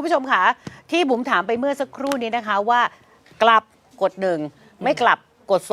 ผู้ชมค่ะที่บุ๋มถามไปเมื่อสักครู่นี้นะคะว่ากลับกด1ไม่กลับกด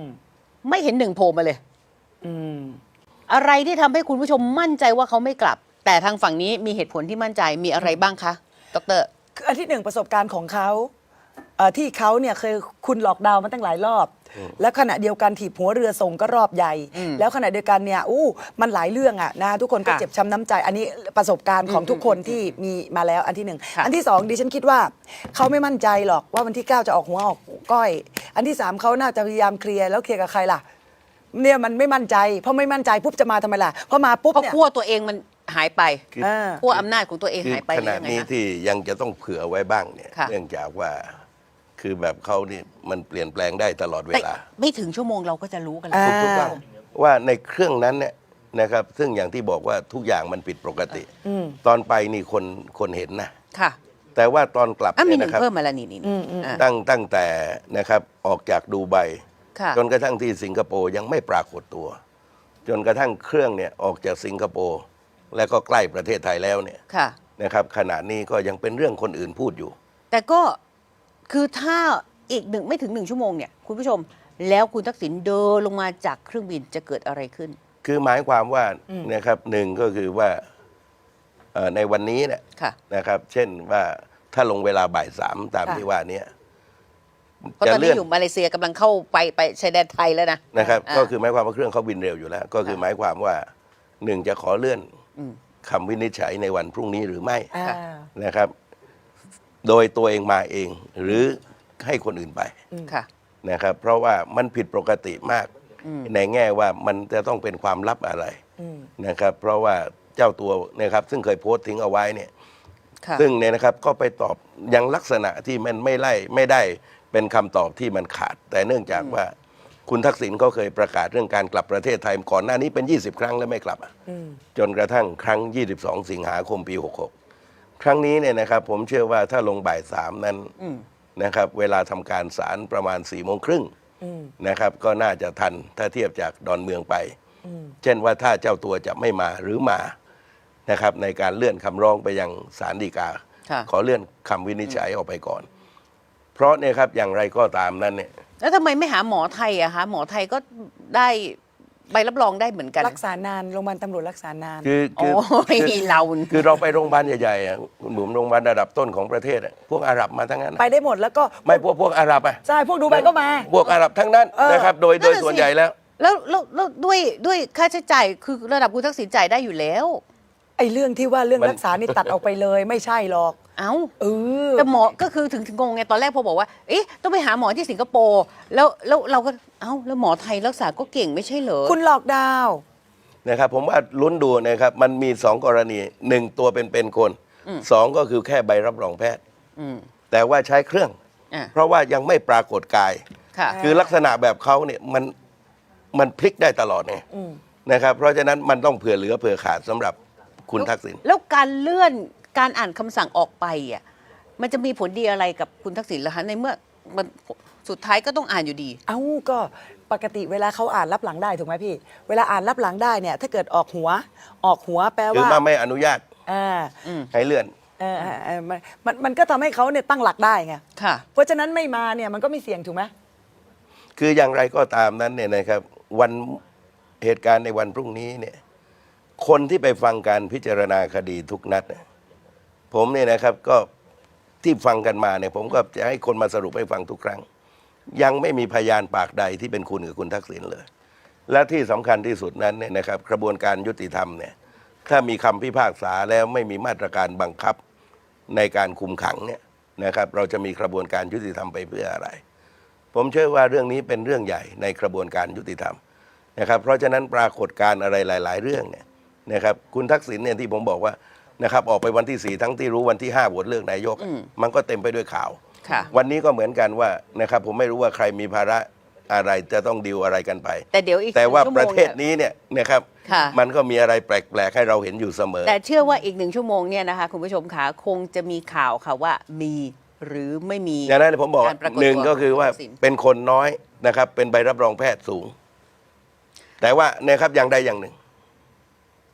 2ไม่เห็น1โผล่มาเลยอะไรที่ทำให้คุณผู้ชมมั่นใจว่าเขาไม่กลับแต่ทางฝั่งนี้มีเหตุผลที่มั่นใจมีอะไรบ้างคะดร. คืออันที่1ประสบการณ์ของเขาที่เขาเนี่ยเคยคุณหลอกดาวน์มาตั้งหลายรอบแล้วขณะเดียวกันถีบหัวเรือส่งก็รอบใหญ่แล้วขณะเดียวกันเนี่ยมันหลายเรื่องอะนะทุกคนก็เจ็บช้ำน้ำใจอันนี้ประสบการณ์ของทุกคนที่มีมาแล้วอันที่1อันที่2ดิฉันคิดว่าเขาไม่มั่นใจหรอกว่าวันที่9จะออกหัวออกก้อยอันที่3เขาน่าจะพยายามเคลียร์แล้วเคลียร์กับใครล่ะเนี่ยมันไม่มั่นใจเพราะไม่มั่นใจปุ๊บจะมาทำไมล่ะพอมาปุ๊บเนี่ยขั้วตัวเองมันหายไปขั้วอำนาจของตัวเองหายไปขณะนี้ที่ยังจะต้องเผื่อไว้บ้างเนี่ยเนื่องจากว่าคือแบบเขานี่มันเปลี่ยนแปลงได้ตลอดเวลาไม่ถึงชั่วโมงเราก็จะรู้กันแล้วถูกต้องว่าในเครื่องนั้นเนี่ยนะครับซึ่งอย่างที่บอกว่าทุกอย่างมันผิดปกติตอนไปนี่คนเห็นนะค่ะแต่ว่าตอนกลับมีนะครับเพิ่มมาแล้วนี่ตั้งแต่นะครับออกจากดูไบจนกระทั่งที่สิงคโปร์ยังไม่ปรากฏตัวจนกระทั่งเครื่องเนี่ยออกจากสิงคโปร์แล้วก็ใกล้ประเทศไทยแล้วเนี่ยนะครับขณะนี้ก็ยังเป็นเรื่องคนอื่นพูดอยู่แต่ก็คือถ้าอีกไม่ถึง1ชั่วโมงเนี่ยคุณผู้ชมแล้วคุณทักษิณเดินลงมาจากเครื่องบินจะเกิดอะไรขึ้นคือหมายความว่านะครับหนึ่งก็คือว่าในวันนี้เนี่ยนะครับเช่นว่าถ้าลงเวลาบ่าย3ตามที่ว่านี้เพราะตอนนี้อยู่มาเลเซียกำลังเข้าไปชายแดนไทยแล้วนะครับก็คือหมายความว่าเครื่องเขาบินเร็วอยู่แล้วก็คือหมายความว่า1จะขอเลื่อนคำวินิจฉัยในวันพรุ่งนี้หรือไม่นะครับโดยตัวเองมาเองหรือให้คนอื่นไปนะครับเพราะว่ามันผิดปกติมากในแง่ว่ามันจะต้องเป็นความลับอะไรนะครับเพราะว่าเจ้าตัวนะครับซึ่งเคยโพสต์ทิ้งเอาไว้เนี่ยซึ่งเนี่ยนะครับก็ไปตอบยังลักษณะที่มันไม่ได้เป็นคำตอบที่มันขาดแต่เนื่องจากว่าคุณทักษิณเขาเคยประกาศเรื่องการกลับประเทศไทยก่อนหน้านี้เป็น20ครั้งแล้วไม่กลับจนกระทั่งครั้ง22สิงหาคมปี66ครั้งนี้เนี่ยนะครับผมเชื่อว่าถ้าลงบ่าย3นั้นนะครับเวลาทำการศาลประมาณ4:30นะครับก็น่าจะทันถ้าเทียบจากดอนเมืองไปเช่นว่าถ้าเจ้าตัวจะไม่มาหรือมานะครับในการเลื่อนคำร้องไปยังศาลฎีกาขอเลื่อนคำวินิจฉัยออกไปก่อนเพราะเนี่ยครับอย่างไรก็ตามนั้นเนี่ยแล้วทำไมไม่หาหมอไทยอะคะหมอไทยก็ได้ใบรับรองได้เหมือนกันรักษานานโรงพยาบาลตำรวจรักษานานคือเราไปโรงพยาบาลใหญ่ๆคุณบุ๋มโรงพยาบาลระดับต้นของประเทศพวกอาหรับมาทั้งนั้นไปได้หมดแล้วก็ไม่พวกอาหรับอ่ะใช่พวกดูไบก็มาพวกอาหรับทั้งนั้นนะครับโดยส่วนใหญ่แล้วด้วยค่าใช้จ่ายคือระดับคุณทักษิณจ่ายได้อยู่แล้วไอ้เรื่องที่ว่าเรื่องรักษานี่ตัดออกไปเลยไม่ใช่หรอกแต่หมอก็คือถึงงงไงตอนแรกพอบอกว่าเอ๊ะต้องไปหาหมอที่สิงคโปร์แล้วเราก็แล้วหมอไทยรักษาก็เก่งไม่ใช่เหรอคุณหลอกดาวนะครับผมว่าลุ้นดูนะครับมันมี2กรณี1ตัวเป็นคน2ก็คือแค่ใบรับรองแพทย์แต่ว่าใช้เครื่องเพราะว่ายังไม่ปรากฏกายคือลักษณะแบบเขาเนี่ยมันพลิกได้ตลอดไงนะครับเพราะฉะนั้นมันต้องเผื่อเหลือเผื่อขาดสำหรับคุณทักษิณแล้วการเลื่อนการอ่านคำสั่งออกไปอ่ะมันจะมีผลดีอะไรกับคุณทักษิณล่ะคะในเมื่อมันสุดท้ายก็ต้องอ่านอยู่ดีก็ปกติเวลาเขาอ่านรับหลังได้ถูกไหมพี่เวลาอ่านรับหลังได้เนี่ยถ้าเกิดออกหัวแปลว่าคือมาไม่อนุญาตให้เลื่อนมันก็ทำให้เขาเนี่ยตั้งหลักได้ไงเพราะฉะนั้นไม่มาเนี่ยมันก็ไม่เสี่ยงถูกไหมคืออย่างไรก็ตามนั้นเนี่ยนะครับวันเหตุการณ์ในวันพรุ่งนี้เนี่ยคนที่ไปฟังการพิจารณาคดีทุกนัดผมเนี่ยนะครับก็ที่ฟังกันมาเนี่ยผมก็จะให้คนมาสรุปให้ฟังทุกครั้งยังไม่มีพยานปากใดที่เป็นคุณกับคุณทักษิณเลยและที่สำคัญที่สุดนั้นเนี่ยนะครับกระบวนการยุติธรรมเนี่ยถ้ามีคำพิพากษาแล้วไม่มีมาตรการบังคับในการคุมขังเนี่ยนะครับเราจะมีกระบวนการยุติธรรมไปเพื่ออะไรผมเชื่อว่าเรื่องนี้เป็นเรื่องใหญ่ในกระบวนการยุติธรรมนะครับเพราะฉะนั้นปรากฏการณ์อะไรหลายๆเรื่องเนี่ยนะครับคุณทักษิณเนี่ยที่ผมบอกว่านะครับออกไปวันที่4ทั้งที่รู้วันที่5โหวตเลือกนายกมันก็เต็มไปด้วยข่าววันนี้ก็เหมือนกันว่านะครับผมไม่รู้ว่าใครมีภาระอะไรจะต้องดีลอะไรกันไปแต่ว่าประเทศนี้เนี่ยนะครับมันก็มีอะไรแปลกๆให้เราเห็นอยู่เสมอแต่เชื่อว่าอีก1ชั่วโมงเนี่ยนะคะคุณผู้ชมคะคงจะมีข่าวค่ะว่ามีหรือไม่มีอย่างนั้นผมบอก1ก็คือว่าเป็นคนน้อยนะครับเป็นใบรับรองแพทย์สูงแต่ว่านะครับอย่างใดอย่างหนึ่ง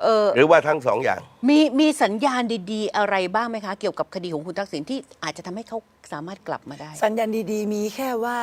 หรือว่าทั้งสองอย่างมีสัญญาณดีๆ อะไรบ้างไหมคะ เกี่ยวกับคดีของคุณทักษิณที่อาจจะทำให้เขาสามารถกลับมาได้สัญญาณดีๆ มีแค่ว่า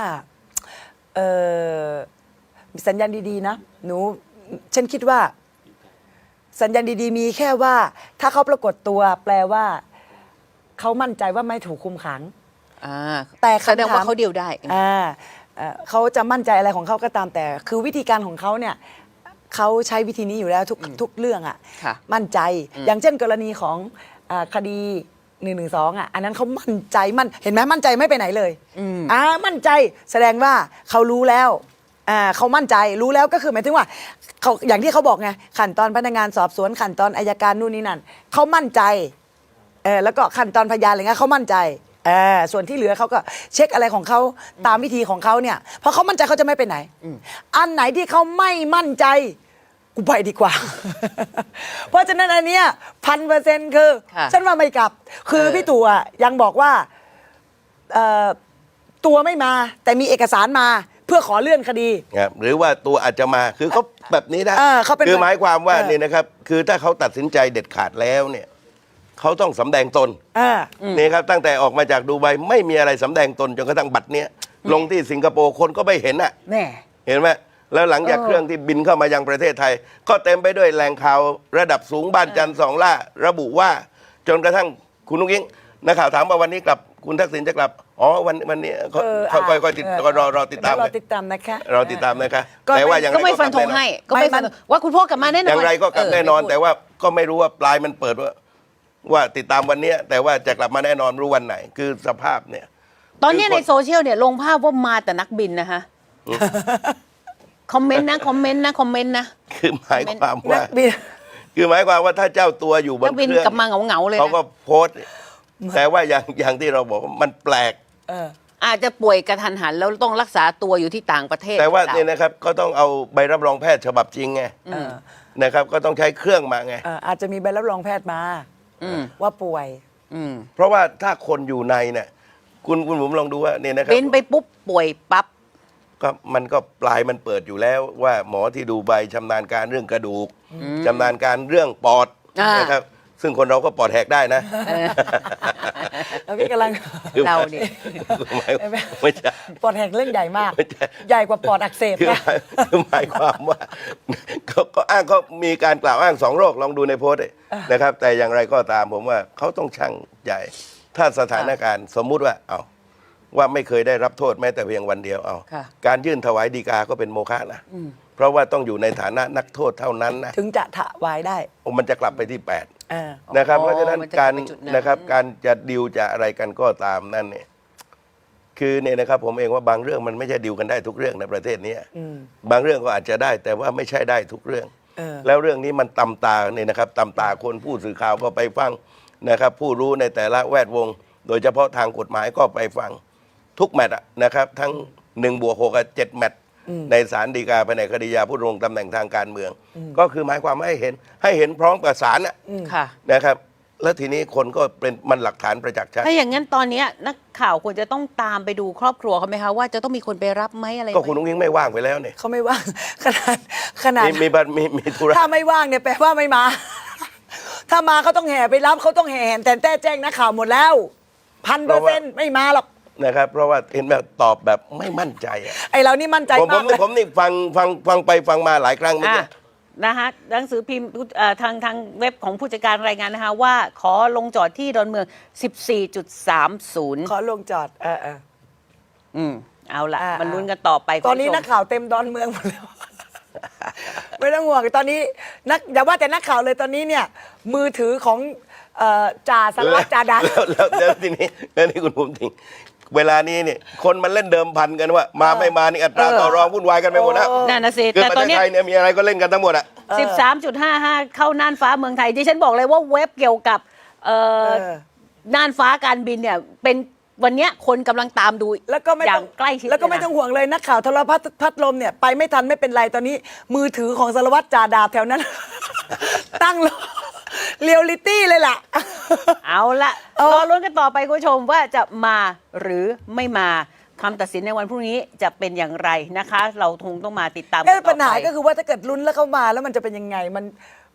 สัญญาณดีๆนะหนูฉันคิดว่า สัญญาณดีๆ มีแค่ว่า ถ้าเขาปรากฏตัว แปลว่าเขามั่นใจว่าไม่ถูกคุมขัง แต่คำถามแสดงว่าเขาเดียวได้เขาจะมั่นใจอะไรของเขาก็ตามแต่ คือวิธีการของเขาเนี่ยเขาใช้วิธีนี้อยู่แล้วทุกเรื่องอ่ะค่ะมั่นใจ อย่างเช่นกรณีของคดี112อ่ะอันนั้นเขามั่นใจเห็นไหมมั่นใจไม่ไปไหนเลยมั่นใจแสดงว่าเขารู้แล้วเขามั่นใจรู้แล้วก็คือหมายถึงว่าเขาอย่างที่เขาบอกไงขั้นตอนพนักงานสอบสวนขั้นตอนอัยการนู่นนี่นั่นเขามั่นใจแล้วก็ขั้นตอนพยานอะไรเงี้ยเขามั่นใจส่วนที่เหลือเขาก็เช็คอะไรของเขาตามวิธีของเขาเนี่ยเพราะเขามั่นใจเขาจะไม่ไปไหนอันไหนที่เขาไม่มั่นใจกูไปดีกว่า เพราะฉะนั้นอันเนี้ย1,000%คือค่ะฉันว่าไม่กลับ คือพี่ตู่ยังบอกว่าตัวไม่มาแต่มีเอกสารมาเพื่อขอเลื่อนคดีครับหรือว่าตัวอาจจะมาคือเขาแบบนี้ได้เขาเป็นคือหมายความว่าเออนี่นะครับ คือถ้าเขาตัดสินใจเด็ดขาดแล้วเนี่ยเขาต้องสำแดงตน นี่ครับตั้งแต่ออกมาจากดูไบไม่มีอะไรสำแดงตนจนกระทั่งบัตรเนี้ยลงที่สิงคโปร์คนก็ไม่เห็นอ่ะแน่เห็นไหมแล้วหลังจากเครื่องที่บินเข้ามายังประเทศไทย ก็เต็มไปด้วยแหล่งข่าวระดับสูงบ้านจันทร์สองล่าระบุว่าจนกระทั่งคุณนุ้งอิงนักข่าวถามว่าวันนี้กลับคุณทักษิณจะกลับอ๋อวันนี้ค่อยๆติดรอติดตามรอติดตามนะคะเราติดตามนะคะก็แต่ว่าอย่างไรก็ไม่ฟันธงให้ ก็ไม่ฟันธงว่าคุณพ่อกลับมาแน่นอนอย่างไรก็กลับแน่นอนไม่พูดแต่ว่าก็ไม่รู้ว่าปลายมันเปิดว่าติดตามวันเนี้ยแต่ว่าจะกลับมาแน่นอนรู้วันไหน คือสภาพเนี่ยตอนนี้ในโซเชียลเนี่ยลงภาพว่ามาแต่นักบินนะคะคอมเมนต์นะคือหมายความว่านักบินคือหมายความว่าถ้าเจ้าตัวอยู่บนนักบินเครื่องกลับมาเหงาๆเลยนะเขาก็โพสต์แต่ว่าอย่างที่เราบอกว่ามันแปลกอาจจะป่วยกระทันหันแล้วต้องรักษาตัวอยู่ที่ต่างประเทศแต่ว่าหรือปล่เนี่ยนะครับก็ต้องเอาใบรับรองแพทย์ฉบับจริงไงนะครับ ก็ต้องใช้เครื่องมาไงอาจจะมีใบรับรองแพทย์มาว่าป่วยเพราะว่าถ้าคนอยู่ในเนี่ยคุณผมลองดูว่าเนี่ยนะครับบินไปปุ๊บป่วยปั๊บก็มันก็ปลายมันเปิดอยู่แล้วว่าหมอที่ดูใบชำนาญการเรื่องกระดูกชำนาญการเรื่องปอดนะครับ ซึ่งคนเราก็ปอดแหกได้นะแล้วพี่กำลังเราเนี่ยไม่ใช่ปอดแหกเรื่องใหญ่มากไม่ใช่ใหญ่กว่าปอดอักเสบคือนะหมายความว่าเขาอ้างเขามีการกล่าวอ้างสองโรคลองดูในโพสต์นะครับ แต่อย่างไรก็ตามผมว่าเขาต้องชั่งใจถ้าสถานการณ์สมมุติว่าเอาว่าไม่เคยได้รับโทษแม้แต่เพียงวันเดียวเอาค่ะการยื่นถวายฎีกาก็เป็นโมฆะนะเพราะว่าต้องอยู่ในฐานะนักโทษเท่านั้นนะถึงจะถวายได้มันจะกลับไปที่ 8 เออนะครับอ๋อเพราะฉะนั้นมันจะการไปจุดนั้นนะครับการจะดิวจะอะไรกันก็ตามนั่นเนี่ยคือเนี่ยนะครับผมเองว่าบางเรื่องมันไม่ใช่ดิวกันได้ทุกเรื่องในประเทศนี้บางเรื่องก็อาจจะได้แต่ว่าไม่ใช่ได้ทุกเรื่อง แล้วเรื่องนี้มันตำตาเนี่ยนะครับตำตาคนผู้สื่อข่าวก็ไปฟังนะครับ ผู้รู้ในแต่ละแวดวง โดยเฉพาะทางกฎหมายก็ไปฟังทุกแมตช์อะนะครับ ทั้ง1+6กับ7แมตช์ในศาลฎีกาแผนกคดียาผู้ดำรงตำแหน่งทางการเมือง ก็คือหมายความว่าให้เห็นพร้อมกับศาลน่ะค่ะนะครับ แล้วทีนี้คนก็เป็นมันหลักฐานประจักษ์ชัดถ้าอย่างนั้นตอนเนี้ยนักข่าวควรจะต้องตามไปดูครอบครัวเขาไหมคะว่าจะต้องมีคนไปรับไหมอะไรไหมก็คุณนุ้งอิงไม่ว่างไปแล้วเนี่ยเขาไม่ว่าง ขนาดมีธุระถ้าไม่ว่างเนี่ยแปลว่าไม่มา ถ้ามาเขาต้องแห่ไปรับเขาต้องแห่แต่แจ้งนักข่าวหมดแล้ว1,000%ไม่มาหรอกนะครับ เพราะว่าเห็นแบบตอบแบบไม่มั่นใจอะไอเรานี่มั่นใจผมมากเลยผมนี่ฟังไปฟังมาหลายครั้งเมื่อกี้นะคะหนังสือพิมพ์ทางเว็บของผู้จัดการรายงานนะคะว่าขอลงจอดที่ดอนเมือง 14.30 ขอลงจอดเอาละอ่ามัมันลุ้นกันต่อไปตอนนี้คุณผู้ชมนักข่าวเต็มดอนเมืองหมดแล้ว ไม่ต้องห่วงตอนนี้อย่าว่าแต่นักข่าวเลยตอนนี้เนี่ย มือถือของจ่าสารวัตรจ่าดันแล้วทีนี้คุณภูมิทิงเวลานี้เนี่ยคนมันเล่นเดิมพันกันว่า มาไม่มานี่อัตราต่อรองวุ่นวายกันไปหมดแล้วนั่นนะสิคือแต่ประตอนเทศเนี้ยไทยเนี่ยมีอะไรก็เล่นกันทั้งหมดอะ 13.55 เข้าน่านฟ้าเมืองไทยดิฉันบอกเลยว่าเว็บเกี่ยวกับน่านฟ้าการบินเนี่ยเป็นวันเนี้ยคนกำลังตามดูแล้วก็ไม่อย่าต้อง งใกล้ชิดแล้วก็ไม่เลยนะต้องห่วงเลยนักข่าวโทรพัดลมเนี่ยไปไม่ทันไม่เป็นไรตอนนี้ มือถือของสารวัตรจ่าดาบแถวนั้น ตั้งรอเรียลลิตี้เลยล่ะเอาละรอลุ้นกันต่อไปคุณผู้ชมว่าจะมาหรือไม่มาคำตัดสินในวันพรุ่งนี้จะเป็นอย่างไรนะคะ เราคงต้องมาติดตามกันต่อไปปัญหาก็คือว่าถ้าเกิดลุ้นแล้วเข้ามาแล้วมันจะเป็นยังไง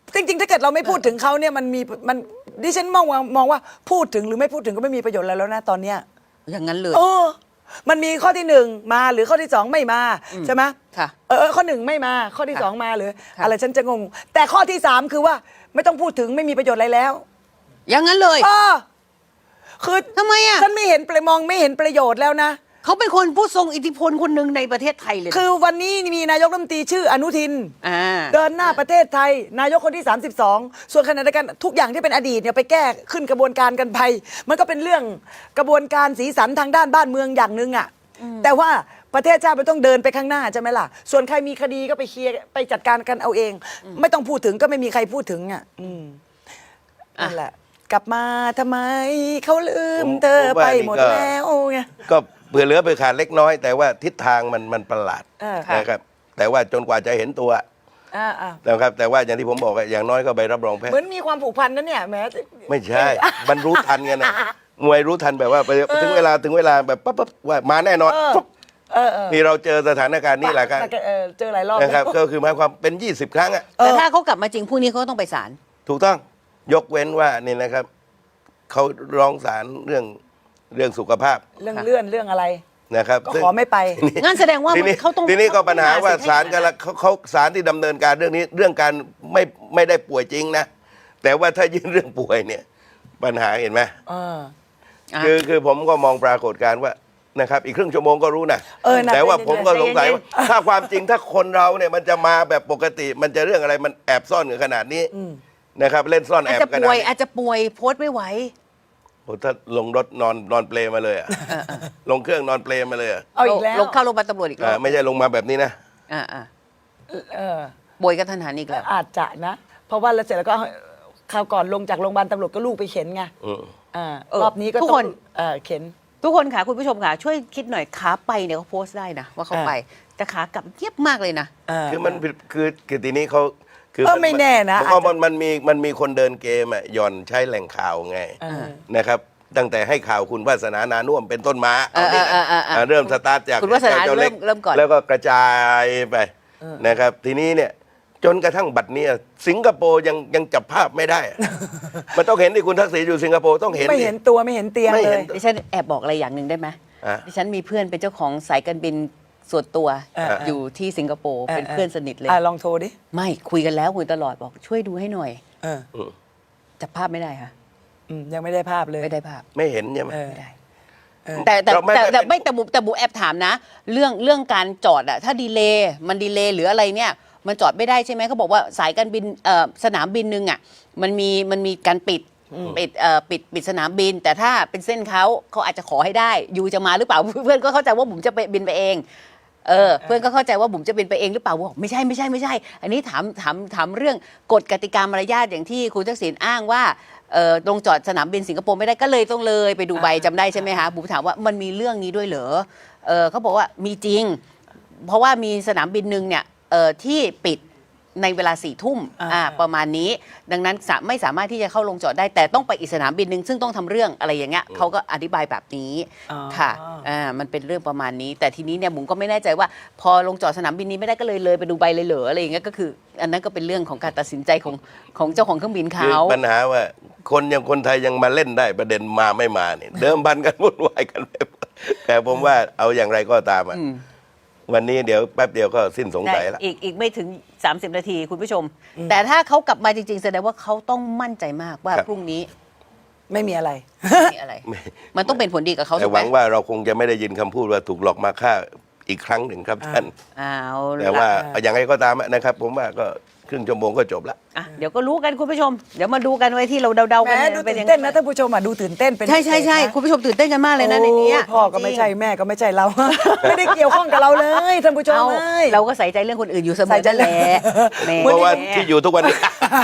จริงๆ ถ้าเกิดเราไม่พูดถึงเขาเนี่ยมันดิฉันมองว่าพูดถึงหรือไม่พูดถึงก็ไม่มีประโยชน์อะไรแล้วนะตอนเนี้ยอย่างนั้นเลยโอ้มันมีข้อที่หนึ่งมาหรือข้อที่สองไม่มาใช่ไหมค่ะข้อหนึ่งไม่มาข้อที่ค่ะสองมาหรือค่ะอะไรฉันจะงง แต่ข้อที่สามคือว่าไม่ต้องพูดถึงไม่มีประโยชน์อะไรแล้วอย่างนั้นเลยคือทำไมอ่ะฉันไม่เห็นมองไม่เห็นประโยชน์แล้วนะเขาเป็นคนผู้ทรงอิทธิพลคนหนึ่งในประเทศไทยเลยนะคือวันนี้มีนายกรัฐมนตรีชื่ออนุทินอ่าเดินหน้าประเทศไทย นายกคนที่ 32 ส่วนขณะเดียวกันทุกอย่างที่เป็นอดีตเนี่ยไปแก้ขึ้นกระบวนการกันไป มันก็เป็นเรื่องกระบวนการสีสันทางด้านบ้านเมืองอย่างหนึ่งอ่ะแต่ว่าประเทศชาติมันต้องเดินไปข้างหน้าใช่ไหมล่ะ ส่วนใครมีคดีก็ไปเคลียร์ไปจัดการกันเอาเอง ไม่ต้องพูดถึงก็ไม่มีใครพูดถึงอ่ะนั่นแหละ กลับมาทำไมเขาลืมเธอไปหมดแล้วไงก็เผื่อเหลือเผื่อขาดเล็กน้อย แต่ว่าทิศทางมันประหลาดค่ะนะครับ แต่ว่าจนกว่าจะเห็นตัว นะครับแต่ว่าอย่างที่ผมบอกอะอย่างน้อยก็ใบรับรองแพทเหมือนย์มีความผูกพันนะเนี่ยแหม้ไม่ใช่ มันรู้ทันกันนะมวยรู้ทันแบบว่าถึงเวลาแบบปั๊บว่ามาแน่นอนปุ๊บนี่เราเจอสถานการณ์นี้แหละครับเจอหลายรอบนะครับก็คือหมายความเป็น 20 ครั้งอะแต่ถ้าเขากลับมาจริงพรุ่งนี้เขาก็ต้องไปศาลถูกต้องยกเว้นว่านี่นะครับเขาร้องศาลเรื่องสุขภาพเรื่องเลื่อนเรื่องอะไรนะครับก็ซึ่งขอไม่ไปงั้นแสดงว่าทีนี้เขาต้องทีนี้ก็ปัญหาว่าสิทธิ์ศาลกันละเขาศาลที่ดำเนินการเรื่องนี้เรื่องการไม่ได้ป่วยจริงนะ แต่ว่าถ้ายื่นเรื่องป่วยเนี่ยปัญหาเห็นไหมอ่ะคือผมก็มองปรากฏการณ์ว่านะครับอีกครึ่งชั่วโมงก็รู้นะนะแต่ว่าใจเย็นๆผมก็สงสัยใจเย็นว่าถ้าความจริงถ้าคนเราเนี่ยมันจะมาแบบปกติ มันจะเรื่องอะไรมันแอบซ่อนกันขนาดนี้นะครับเล่นซ่อนแออาจบจะขนาป่ดวยนี้อาจจะป่วยโพสต์ไม่ไหวโอ้ถ้าลงรถนอนเปลมาเลยอะลงเครื่องนอนเปลมาเลยอะเอาอีกแล้วลงเข้าโรงพยาบาลตำรวจอีกแล้วไม่ใช่ลงมาแบบนี้นะอ่าเออป่วยกระทันหันอีกแล้วอาจจะนะ เพราะว่าแล้วเสร็จแล้วก็คราวก่อนลงจากโรงพยาบาลตำรวจก็ลูกไปเข็นไงอืมรอบนี้ก็ทุกต้คอน งเข็นทุกคนค่ะคุณผู้ชมค่ะช่วยคิดหน่อยขาไปเนี่ยเขาโพสต์ได้นะว่าเขาไป แต่ขากลับเยียบมากเลยนะคือมันผิดคือทีนี้เขาคือไม่แน่นะเพราะมันมีคนเดินเกมอะหย่อนใช้แหล่งข่าวไงนะครับ ตั้งแต่ให้ข่าวคุณวาสนานานุ่วมเป็นต้นมาเอานี่นะเริ่มสตาร์ทจากคุณวาสนาจ้ล็กเริ่มก่อนแล้วก็กระจายไปนะครับ ทีนี้เนี่ยจนกระทั่งบัดเนี้ยสิงคโปร์ยังจับภาพไม่ได้อะ มันต้องเห็นที่คุณทักษิณอยู่สิงคโปร์ต้องเห็นไม่ดิเห็นตัวไม่เห็นเตียงไม่เลเห็ยนดิฉันแอบบอกอะไรอย่างหนึ่งได้ไหมอ่ะดิฉันมีเพื่อนเป็นเจ้าของสายการบินส่วนตัว อยู่ที่สิงคโปร์เป็นเพื่อนสนิทเลยลองโทรดิไม่คุยกันแล้วคุยตลอดบอกช่วยดูให้หน่อยเออจับภาพไม่ได้ค่ะยังไม่ได้ภาพเลยไม่ได้ภาพไม่เห็นใช่ไหมไม่ได้แต่เราไม่แต่บุแอบถามนะ เรื่องการจอดอะถ้าดีเลย์มันดีเลย์หรืออะไรเนี่ย มันจอดไม่ได้ใช่ไหมเขาบอกว่าสายการบินสนามบินหนึ่งอะมันมีการปิดสนามบิน แต่ถ้าเป็นเส้นเขาอาจจะขอให้ได้ยูจะมาหรือเปล่า เพื่อนก็เข้าใจว่าผมจะไปบินไปเองเพื่อนก็เข้าใจว่าผมจะบินไปเองหรือเปล่าบอกไม่ใช่ อันนี้ถามเรื่องกฎกติกามารยาทอย่างที่คุณทักษิณอ้างว่าลงจอดสนามบินสิงคโปร์ไม่ได้ก็เลยต้องเลยไปดูใบจำได้ใช่ไหมคะบุ๋มถามว่ามันมีเรื่องนี้ด้วยเหรอเขาบอกว่ามีจริง เพราะว่ามีสนามบินหนึ่งเนี่ยที่ปิดในเวลา4 ทุ่มประมาณนี้ ดังนั้นไม่สามารถที่จะเข้าลงจอดได้แต่ต้องไปอีกสนามบินหนึ่งซึ่งต้องทำเรื่องอะไรอย่างเงี้ยเขาก็อธิบายแบบนี้ค่ะมันเป็นเรื่องประมาณนี้ แต่ทีนี้เนี่ยบุ๋มก็ไม่แน่ใจว่า พอลงจอดสนามบินนี้ไม่ได้ก็เลยไปดูใบเลยเหรออะไรอย่างเงี้ยก็คือ อันนั้นก็เป็นเรื่องของการตัดสินใจของเจ้าของเครื่องบินคือเขาปัญหาว่าคนไทยยังมาเล่นได้ประเด็นมาไม่มาเนี่ยเดิมพันกันวุ่นวายกันไปหมดแต่ผมว่าเอาอย่างไรก็ตามอ่ะวันนี้เดี๋ยวแป๊บเดียวก็สิ้นสงสัยละอีกไม่ถึง 30 นาทีคุณผู้ชม แต่ถ้าเขากลับมาจริงๆแสดงว่าเขาต้องมั่นใจมากว่าครับพรุ่งนี้ไม่มีอะไรไม่มีอะไร มันต้องเป็นผลดีกับเขาแต่ถูกหไหมวังว่าเราคงจะไม่ได้ยินคำพูดว่าถูกหลอกมาฆ่าอีกครั้งหนึ่งครับท่านเอาแต่ว่าละอย่างไรก็ตามนะครับ ผมว่าก็ครึ่งชั่วโมงก็จบละอ่ะเดี๋ยวก็รู้กันคุณผู้ชม เดี๋ยวมาดูกันไว้ที่เราเดาๆแหกันมเนี่ยดูเป็ตื่ยันงไงเต้นนะท่านผู้ชมดูตื่นเต้นเป็นใช่พิเศษนะคุณผู้ชมตื่นเต้นกันมากเลยนะในนี้โอ้พ่อก็ไม่ใช่แม่ก็ไม่ใช่เรา ไม่ได้เกี่ยวข้องกับเราเลยท่านผู้ชมเอาเลยเราก็ใส่ใจเรื่องคนอื่นอยู่เสมใส่อใจนั่นแหละแหมเพราะว่าที่อยู่ทุกวันนี้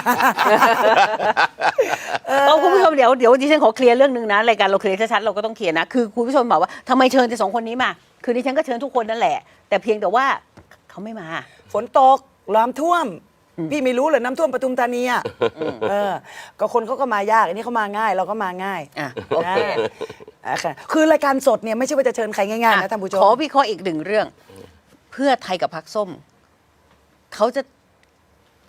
เอาคุณผู้ชมเดี๋ยวดิฉันขอเคลียร์เรื่องนึงนะรายการเราเคลียร์ชัดๆเราก็ต้องเคลียร์นะคือคุณผู้ชมบอกว่าทำไมเชิญแต่2 คนนี้มาคือดิฉันก็เชิญทุกคนนั่นแหละ แต่เพียงแต่ว่าเขาไม่มาฝนตกน้ำท่วม พี่ไม่รู้เลยน้ำท่วมปทุมธานีอ่ะก็คนเขาก็มายากอันนี้เขามาง่ายเราก็มาง่ายอ่ะโอเคค่ะคือรายการสดเนี่ยไม่ใช่ว่าจะเชิญใครง่ายๆนะท่านผู้ชมขอวิเคราะห์อีกหนึ่งเรื่อง เพื่อไทยกับพรรคส้มเขาจะ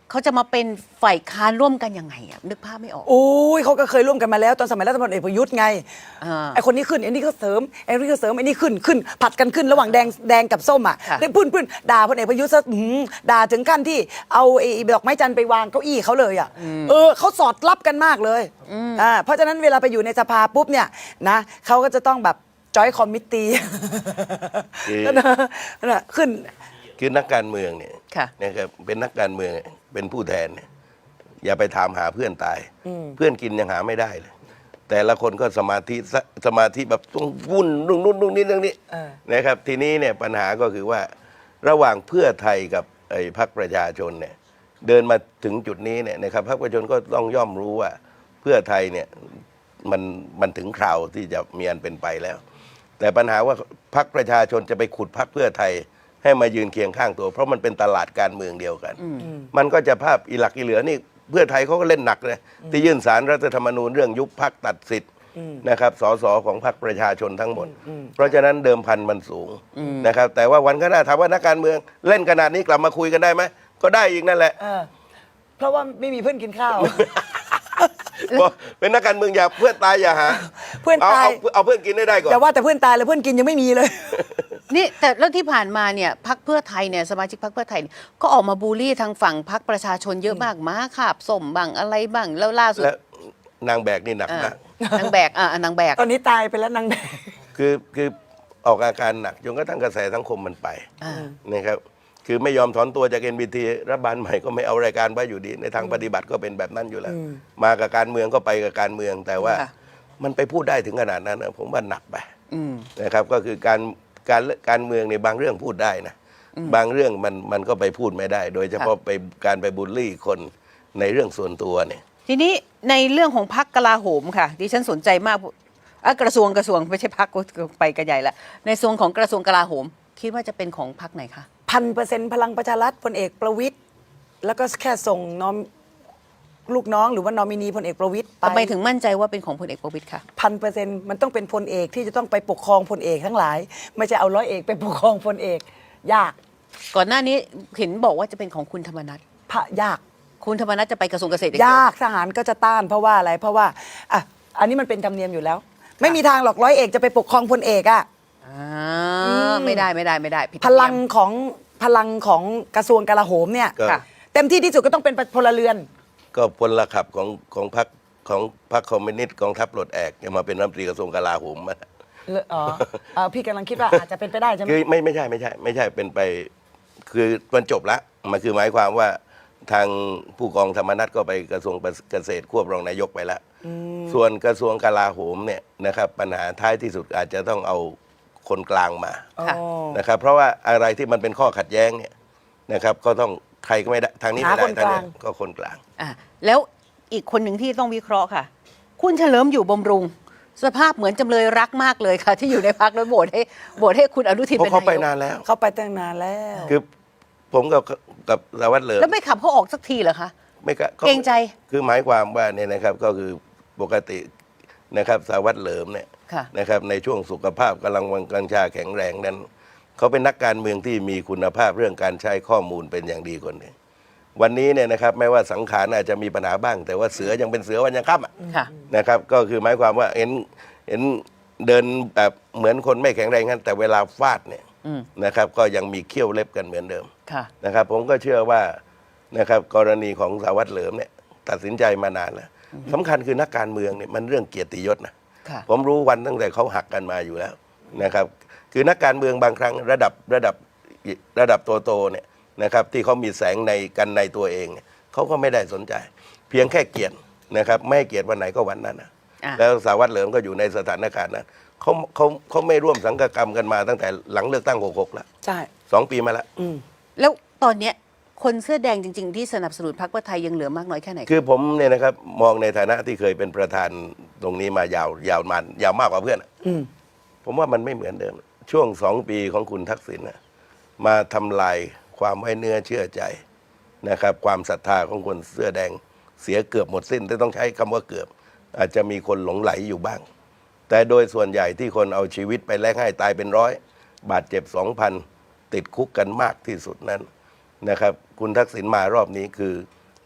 เขาจะมาเป็นฝ่ายค้านร่วมกันยังไงอะนึกภาพไม่ออกโอ้ยเขาก็เคยร่วมกันมาแล้วตอนสมัยรัฐบาลเอกประยุทธ์ไงอ่าไอคนนี้ขึ้นไอ้นี่ก็เสริมไอ้นี่ก็เสริมไอ้นี่ขึ้นผัดกันขึ้นระหว่างแดงกับส้มอ่ะค่ะได้พื้นด่าพลเอกประยุทธ์ซะด่าถึงขั้นที่เอาไอ้ดอกไม้จันทร์ไปวางเก้าอี้เขาเลยอ่ะเขาสอดรับกันมากเลยเพราะฉะนั้นเวลาไปอยู่ในสภาปุ๊บเนี่ยนะเขาก็จะต้องแบบจอยคอมมิตตี้ นั่นนะขึ้นคือนักการเมืองเนี่ยค่ะนะครับเป็นนักการเมืองเป็นผู้แทนเนี่ยอย่าไปถามหาเพื่อนตาย เพื่อนกินยังหาไม่ได้เลย แต่ละคนก็สมาธิแบบต้องวุ่นนู่นนี่เรื่องนี้เออนะครับ ทีนี้เนี่ยปัญหาก็คือว่าระหว่างเพื่อไทยกับไอ้พรรคประชาชนเนี่ยเดินมาถึงจุดนี้เนี่ยนะครับพรรคประชาชนก็ต้องย่อมรู้ว่าเพื่อไทยเนี่ยมันถึงคราวที่จะมีอันเป็นไปแล้ว แต่ปัญหาว่าพรรคประชาชนจะไปขุดพรรคเพื่อไทยให้มายืนเคียงข้างตัว เพราะมันเป็นตลาดการเมืองเดียวกัน มันก็จะภาพอีหลักอีเหลือนี่เพื่อไทยเขาก็เล่นหนักเลยที่ยื่นสารรัฐธรรมนูญเรื่องยุบพรรคตัดสิทธิ์นะครับสสของพรรคประชาชนทั้งหมด เพราะฉะนั้นเดิมพันมันสูงนะครับแต่ว่าวันข้างหน้าถามว่านักการเมืองเล่นขนาดนี้กลับมาคุยกันได้ไหมก็ได้อีกนั่นแหละเพราะว่าไม่มีเพื่อนกินข้าวเพราะเป็นนักการเมืองอย่าเพื่อนตายอย่าหาเพื่อนตายเอาเพื่อนกินได้ก่อนอย่าว่าแต่เพื่อนตายเลยเพื่อนกินยังไม่มีเลยนี่แต่แล้วที่ผ่านมาเนี่ยพรรคเพื่อไทยเนี่ยสมาชิกพรรคเพื่อไทยเนี่ยก็ออกมาบูลลี่ทางฝั่งพรรคประชาชนเยอะมากม้าขาบส้มบ้างอะไรบ้างแล้วล่าสุดและนางแบกนี่หนักมากนางแบกนางแบกตอนนี้ตายไปแล้วนางแดงคือออกอาการหนักจนกระทั่งกระแสสังคมมันไปอ่านะครับคือไม่ยอมถอนตัวจาก NBT รัฐบาลใหม่ก็ไม่เอารายการไว้อยู่ดี ในทางปฏิบัติก็เป็นแบบนั้นอยู่แล้ว มากับการเมืองก็ไปกับการเมือง แต่ว่าค่ะมันไปพูดได้ถึงขนาดนั้นนะผมว่าหนักไปอืมนะครับก็คือการเมืองในบางเรื่องพูดได้นะบางเรื่องมันก็ไปพูดไม่ได้ โดยเฉพาะไปการไปบูลลี่คนในเรื่องส่วนตัวเนี่ยทีนี้ในเรื่องของพรรคกลาโหมค่ะดิฉันสนใจมากกระทรวงไม่ใช่พรรคไปกันใหญ่ละในส่วนของกระทรวงกลาโหม คิดว่าจะเป็นของพรรคไหนคะ 1,000%พลังประชารัฐพลเอกประวิตยแล้วก็แค่ส่งลูกน้องหรือว่านอมินีพลเอกประวิตยไปทำไมถึงมั่นใจว่าเป็นของพลเอกประวิตยค่ะ 1,000%มันต้องเป็นพลเอกที่จะต้องไปปกครองพลเอกทั้งหลาย ไม่ใช่เอาร้อยเอกไปปกครองพลเอกยากก่อนหน้านี้เห็นบอกว่าจะเป็นของคุณธรรมนัฐยากคุณธรรมนัฐจะไปกระทรวงเกษตรอย่างเดียากทหารก็จะต้านเพราะว่าอะไรเพราะว่าอันนี้มันเป็นธรรมเนียมอยู่แล้ว ไม่มีทางหรอกร้อยเอกจะไปปกครองพลเอกอะไม่ได้ผิดพลังของกระทรวงกลาโหมเนี่ยก็เต็มที่ที่สุดก็ต้องเป็นพลเรือนก็พลขับของพรรคคอมมิวนิสต์กองทัพปลดแอกจะมาเป็นรัฐมนตรีกระทรวงกลาโหมมาพี่กำลังคิดว่าอาจจะเป็นไปได้ใช่ไหมคือไม่ใช่เป็นไปคือมันจบละมันคือหมายความว่าทางผู้กองธรรมนัฐก็ไปกระทรวงเกษตรควบรองนายกไปแล้วส่วนกระทรวงกลาโหมเนี่ยนะครับปัญหาท้ายที่สุดอาจจะต้องเอาคนกลางมาค่ะนะครับเพราะว่าอะไรที่มันเป็นข้อขัดแย้งเนี่ยนะครับก็ต้องใครก็ไม่ได้ทางนี้ไม่ได้หาคนทางกนี้ลางก็คนกลางแล้วอีกคนหนึ่งที่ต้องวิเคราะห์ค่ะ คุณเฉลิมอยู่บำรุง สภาพเหมือนจำเลยรักมากเลยค่ะ ที่อยู่ในพรรคแล้วโหวตให้คุณอนุทินเพเป็นราะเขาไปนายกนานแล้วเขาไปตั้งนานแล้วคือผมกับสารวัตรเหลิมแล้วไม่ขับเขาออกสักทีเหรอคะไม่กะเกรงใจคือหมายความว่าเนี่ยนะครับก็คือปกตินะครับสารวัตรเหลิมเนี่ยค่ะนะครับในช่วงสุขภาพกำลังวังกังชาแข็งแรงนั้นเขาเป็นนักการเมืองที่มีคุณภาพเรื่องการใช้ข้อมูลเป็นอย่างดีคนหนึ่งวันนี้เนี่ยนะครับแม้ว่าสังขารอาจจะมีปัญหาบ้าง แต่ว่าเสือยังเป็นเสือวันยังค่ำอะค่ะนะครับก็คือหมายความว่าเห็นเดินแบบเหมือนคนไม่แข็งแรงนั้นแต่เวลาฟาดเนี่ยอืมนะครับก็ยังมีเขี้ยวเล็บกันเหมือนเดิมค่ะนะครับผมก็เชื่อว่านะครับกรณีของสารวัตรเหลิมเนี่ยตัดสินใจมานานแล้วสำคัญคือนักการเมืองเนี่ยมันเรื่องเกียรติยศนะค่ะผมรู้วันตั้งแต่เขาหักกันมาอยู่แล้วนะครับคือนักการเมืองบางครั้งระดับโตๆเนี่ยนะครับที่เขามีแสงในตัวเองเนี่ยเขาก็ไม่ได้สนใจ เพียงแค่เกลียดนะครับไม่ให้เกลียดวันไหนก็วันนั้นนะอ่ะแล้วสารวัตรเหลิมก็อยู่ในสถานการณ์นั้นเขาไม่ร่วมสังฆกรรมกันมาตั้งแต่หลังเลือกตั้ง66แล้วใช่ 2 ปีมาแล้วแล้วตอนเนี้ยคนเสื้อแดงจริง ๆ ที่สนับสนุนพรรคเพื่อไทยยังเหลือมากน้อยแค่ไหนคือผมเนี่ยนะครับมองในฐานะที่เคยเป็นประธานตรงนี้มายาวมากกว่าเพื่อนอะผมว่ามันไม่เหมือนเดิม ช่วง2 ปีของคุณทักษิณน่ะมาทำลายความไว้เนื้อเชื่อใจนะครับความศรัทธาของคนเสื้อแดงเสียเกือบหมดสิ้นแต่ต้องใช้คำว่าเกือบ อาจจะมีคนหลงไหลอยู่บ้าง แต่โดยส่วนใหญ่ที่คนเอาชีวิตไปแลกให้ตายเป็นร้อยบาดเจ็บ 2,000 ติดคุกกันมากที่สุดนั้นนะครับคุณทักษิณมารอบนี้คือ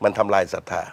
มันทำลายศรัทธา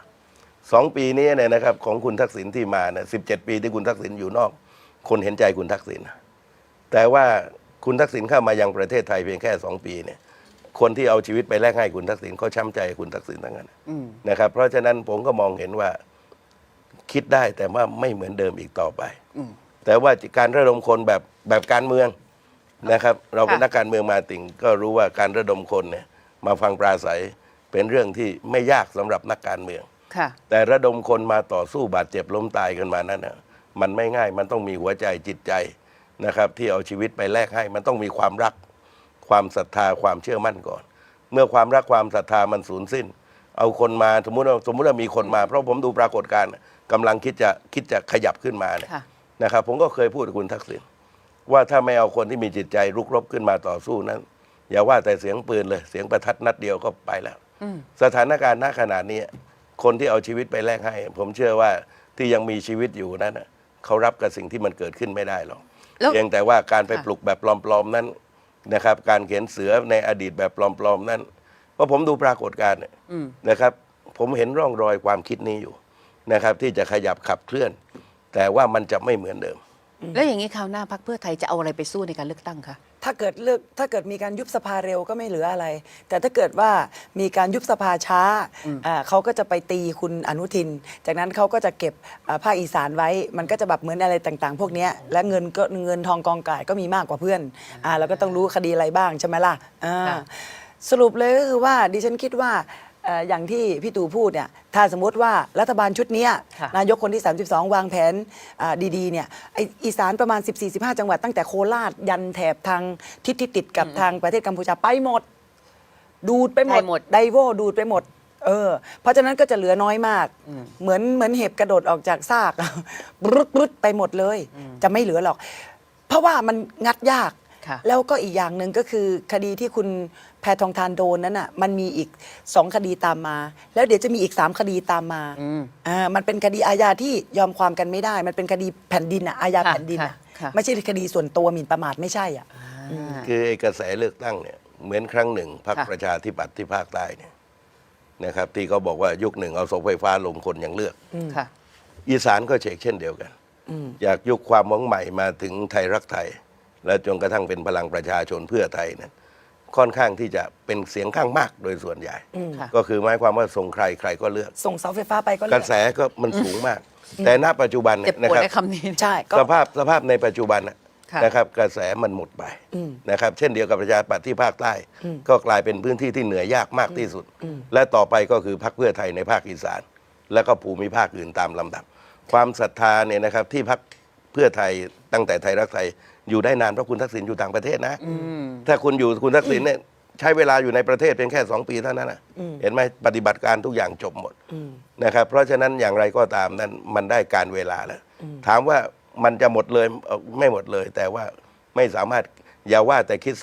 2 ปีนี้เนี่ยนะครับของคุณทักษิณที่มาเนี่ย17 ปีที่คุณทักษิณอยู่นอก คนเห็นใจคุณทักษิณแต่ว่าคุณทักษิณเข้ามายังประเทศไทยเพียงแค่2 ปีเนี่ยคนที่เอาชีวิตไปแลกให้คุณทักษิณเขาช้ำใจคุณทักษิณทั้งนั้นนะครับเพราะฉะนั้นผมก็มองเห็นว่าคิดได้แต่ว่าไม่เหมือนเดิมอีกต่อไปแต่ว่าการระดมคนแบบการเมืองนะครับ เราเป็นนักการเมืองมาติ่งก็รู้ว่าการระดมคนเนี่ยมาฟังปราศัยเป็นเรื่องที่ไม่ยากสำหรับนักการเมืองแต่ระดมคนมาต่อสู้บาดเจ็บล้มตายกันมานั้นนะมันไม่ง่ายมันต้องมีหัวใจจิตใจนะครับที่เอาชีวิตไปแลกให้มันต้องมีความรักความศรัทธาความเชื่อมั่นก่อน เมื่อความรักความศรัทธามันสูญสิ้นเอาคนมาสมมุติว่ามีคนมาเพราะผมดูปรากฏการณ์กำลังคิดจะขยับขึ้นมาเนี่ยนะครับผมก็เคยพูดกับคุณทักษิณว่าถ้าไม่เอาคนที่มีจิตใจรุกรบขึ้นมาต่อสู้นั้นอย่าว่าแต่เสียงปืนเลยเสียงประทัดนัดเดียวก็ไปแล้วสถานการณ์ณขณะนี้คนที่เอาชีวิตไปแลกให้ผมเชื่อว่าที่ยังมีชีวิตอยู่นั้นเขารับกับสิ่งที่มันเกิดขึ้นไม่ได้หรอกเพียงแต่ว่าการไปปลุกแบบปลอมๆนั้นนะครับการเขียนเสือในอดีตแบบปลอมๆนั้นเพราะผมดูปรากฏการณ์นะครับผมเห็นร่องรอยความคิดนี้อยู่นะครับที่จะขยับขับเคลื่อนแต่ว่ามันจะไม่เหมือนเดิมแล้วอย่างนี้คราวหน้าพรรคเพื่อไทยจะเอาอะไรไปสู้ในการเลือกตั้งคะถ้าเกิดมีการยุบสภาเร็วก็ไม่เหลืออะไร แต่ถ้าเกิดว่ามีการยุบสภาช้าเขาก็จะไปตีคุณอนุทินจากนั้นเขาก็จะเก็บภาคอีสานไว้มันก็จะแบบเหมือนอะไรต่างๆ พวกนี้และเงินทองกองก่ายก็มีมากกว่าเพื่อนเราก็ต้องรู้คดีอะไรบ้างใช่ไหมล่ะสรุปเลยก็คือว่าดิฉันคิดว่าอย่างที่พี่ตู่พูดเนี่ยถ้าสมมติว่ารัฐบาลชุดนี้นายกคนที่ 32 วางแผนดีๆเนี่ยอีสานประมาณ 14-15 จังหวัดตั้งแต่โคราชยันแถบทางทิศที่ติดกับทางประเทศกัมพูชาไปหมดดูดไปหมดไดโวดูดไปหมดเพราะฉะนั้นก็จะเหลือน้อยมากเหมือนเห็บกระโดดออกจากซากรุดไปหมดเลยจะไม่เหลือหรอกเพราะว่ามันงัดยากแล้วก็อีกอย่างหนึ่งก็คือคดีที่คุณแพทองธารโดนนั้นมันมีอีก2 คดีตามมาแล้วเดี๋ยวจะมีอีก3 คดีตามมามันเป็นคดีอาญาที่ยอมความกันไม่ได้มันเป็นคดีแผ่นดินอาญาแผ่นดินไม่ใช่คดีส่วนตัวหมิ่นประมาทไม่ใช่คือไอ้กระแสเลือกตั้งเนี่ยเหมือนครั้งหนึ่งพรรคประชาธิปัตย์ที่ภาคใต้เนี่ยนะครับที่เขาบอกว่ายุคหนึ่งเอาเสาไฟฟ้าลงคนยังเลือกอีสานก็เช่นเดียวกันอยากยุคความหวังใหม่มาถึงไทยรักไทยและจนกระทั่งเป็นพลังประชาชนเพื่อไทยนั้นค่อนข้างที่จะเป็นเสียงข้างมากโดยส่วนใหญ่ก็คือหมายความว่าส่งใครก็เลือกส่งเสาไฟฟ้าไปก็เลือกกระแสก็มันสูงมากแต่ณปัจจุบันนะครับใช่สภาพในปัจจุบันนะครับกระแสมันหมดไปนะครับเช่นเดียวกับประชาธิปัตย์ที่ภาคใต้ก็กลายเป็นพื้นที่ที่เหนือยากมากที่สุดและต่อไปก็คือพรรคเพื่อไทยในภาคอีสานและก็ภูมิภาคอื่นตามลำดับความศรัทธาเนี่ยนะครับที่พรรคเพื่อไทยตั้งแต่ไทยรักไทยอยู่ได้นานเพราะคุณทักษิณอยู่ต่างประเทศนะถ้าคุณทักษิณเนี่ยใช้เวลาอยู่ในประเทศเพียงแค่2 ปีเท่านั้นนะเห็นไหมปฏิบัติการทุกอย่างจบหมดนะครับเพราะฉะนั้นอย่างไรก็ตามนั้นมันได้การเวลาแล้วถามว่ามันจะหมดเลยไม่หมดเลยแต่ว่าไม่สามารถอย่าว่าแต่คิด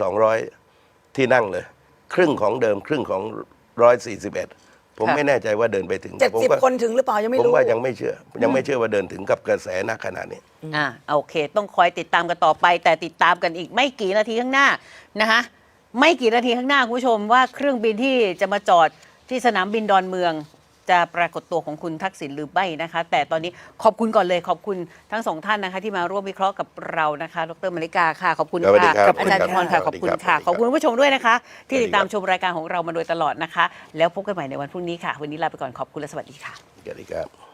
200ที่นั่งเลยครึ่งของเดิมครึ่งของ141ผมไม่แน่ใจว่าเดินไปถึง 70 คนถึงหรือเปล่ายังไม่รู้ผมว่ายังไม่เชื่อว่าเดินถึงกับกระแสณขณะนี้โอเคต้องคอยติดตามกันต่อไปแต่ติดตามกันอีกไม่กี่นาทีข้างหน้านะคะไม่กี่นาทีข้างหน้าคุณผู้ชมว่าเครื่องบินที่จะมาจอดที่สนามบินดอนเมืองจะปรากฏตัวของคุณทักษิณหรือไม่นะคะแต่ตอนนี้ขอบคุณก่อนเลยขอบคุณทั้ง2 ท่านนะคะที่มาร่วมวิเคราะห์กับเรานะคะดร.มาริกาค่ะขอบคุณค่ะอาจารย์พรค่ะขอบคุณค่ะขอบคุณผู้ชมด้วยนะคะที่ติดตามชมรายการของเรามาโดยตลอดนะคะแล้วพบกันใหม่ในวันพรุ่งนี้ค่ะวันนี้ลาไปก่อนขอบคุณและสวัสดีค่ะสวัสดีครับ